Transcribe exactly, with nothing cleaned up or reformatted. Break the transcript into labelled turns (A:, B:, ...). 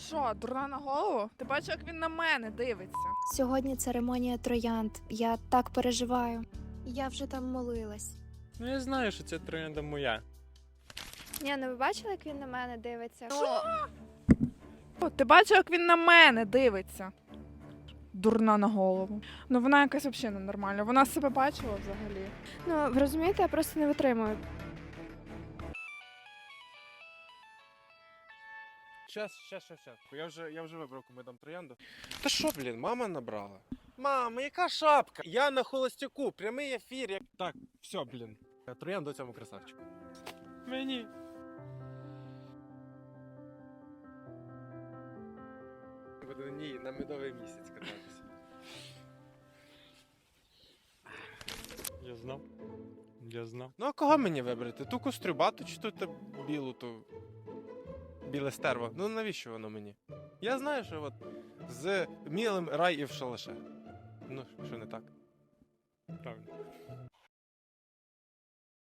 A: Що, дурна на голову? Ти бачиш, як він на мене дивиться?
B: Сьогодні церемонія троянд. Я так переживаю. Я вже там молилась.
C: Ну я знаю, що ця троянда моя.
B: Ні, ну ви бачили, як він на мене дивиться?
A: О, ти бачиш, як він на мене дивиться? Дурна на голову. Ну вона якась взагалі ненормальна. Вона себе бачила взагалі.
B: Ну, ви розумієте, я просто не витримую.
D: Щас, щас, щас, щас. Я вже, я вже вибрав, кому дам троянду. Та що, блін, мама набрала? Мама, яка шапка? Я на холостяку, прямий ефір. Як... Так, все, блін. Троянду цьому красавчику.
C: Мені.
D: Буду на ній на медовий місяць кататися.
C: Я знав. Я знав.
D: Ну а кого мені вибрати? Ту кострюбату чи ту та білу, ту біле стерво? Ну навіщо воно мені? Я знаю, що от з мілим рай і в шалаше. Ну, що не так?
C: Правильно.